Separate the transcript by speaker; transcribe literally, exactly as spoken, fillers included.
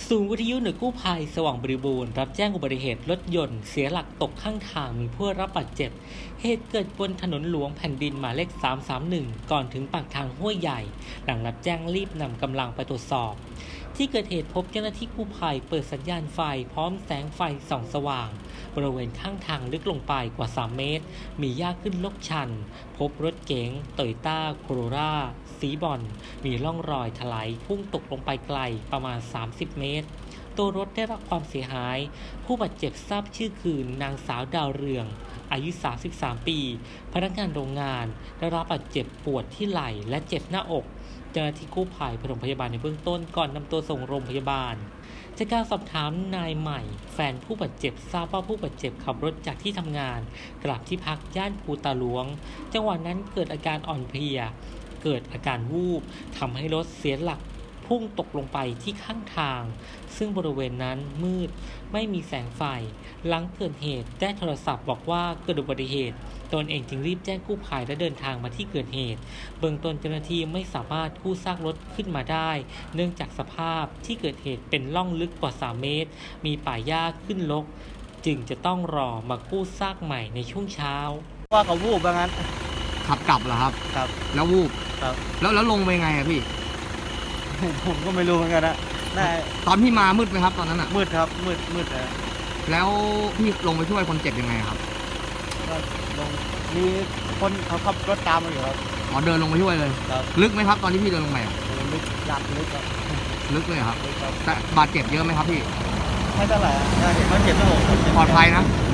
Speaker 1: ศูนย์วิทยุหน่วยกู้ภัยสว่างบริบูรณ์รับแจ้งอุบัติเหตุรถยนต์เสียหลักตกข้างทางมีผู้รับบาดเจ็บเหตุเกิดบนถนนหลวงแผ่นดินหมายเลขสามสามหนึ่งก่อนถึงปากทางห้วยใหญ่หลังรับแจ้งรีบนำกำลังไปตรวจสอบที่เกิดเหตุพบเจ้าหน้าที่กู้ภัยเปิดสัญญาณไฟพร้อมแสงไฟส่องสว่างบริเวณข้างทางลึกลงไปกว่าสามเมตรมีหญ้าขึ้นลกชันพบรถเก๋งโตโยต้าโคโรล่าสีบอลมีร่องรอยถลายพุ่งตกลงไปไกลประมาณสามสิบเมตรตัวรถได้รับความเสียหายผู้บาดเจ็บทราบชื่อคือนางสาวดาวเรืองอายุสามสิบสามปีพนักงานโรงงานได้รับบาดเจ็บปวดที่ไหล่และเจ็บหน้าอกเจ้าหน้าที่กู้ภัยปฐมพยาบาลในเบื้องต้นก่อนนำตัวส่งโรงพยาบาลจากการสอบถามนายใหม่แฟนผู้บาดเจ็บทราบว่าผู้บาดเจ็บขับรถจากที่ทำงานกลับที่พักย่านภูตาหลวงจังหวะนั้นเกิดอาการอ่อนเพลียเกิดอาการวูบทำให้รถเสียหลักพุ่งตกลงไปที่ข้างทางซึ่งบริเวณนั้นมืดไม่มีแสงไฟหลังเกิดเหตุได้โทรศัพท์บอกว่าเกิดอุบัติเหตุตนเองจึงรีบแจ้งกู้ภัยและเดินทางมาที่เกิดเหตุเบื้องต้นเจ้าหน้าที่ไม่สามารถกู้ซากรถขึ้นมาได้เนื่องจากสภาพที่เกิดเหตุเป็นร่องลึกกว่าสามเมตรมีป่าหญ้าขึ้นรกจึงจะต้องรอมากู้ซากใหม่ในช่วงเช้า
Speaker 2: ว่าเขาวูบว่างั้น
Speaker 3: ขับกลับเหรอครับ
Speaker 2: ครับ
Speaker 3: แล้ววูบ
Speaker 2: ครับ
Speaker 3: แล้วแล้วลงไปไงอะพี่
Speaker 2: ผมก็ไม่รู้เหมือนกันนะน่า
Speaker 3: ตอนพี่มามืดไหมครับตอนนั้นอะ
Speaker 2: มืดครับมืดมืดนะ
Speaker 3: แล้วพี่ลงไปช่วยคนเจ็บยังไงครับ
Speaker 2: ก็ลงมีคนเขาขับรถตามมาอยู่ครับ
Speaker 3: อ๋อเดินลงไปช่วยเลย
Speaker 2: ครับ
Speaker 3: ลึกไหมครับตอนที่พี่เดินลงไป
Speaker 2: ลึกหลักลึกครับ
Speaker 3: ลึกเลยครับแต่บาดเจ็บเยอะไหมครับพี่
Speaker 2: ไม่เท่าไหร่เห็นมันเจ็บหน้าอก
Speaker 3: ปลอดภัยนะ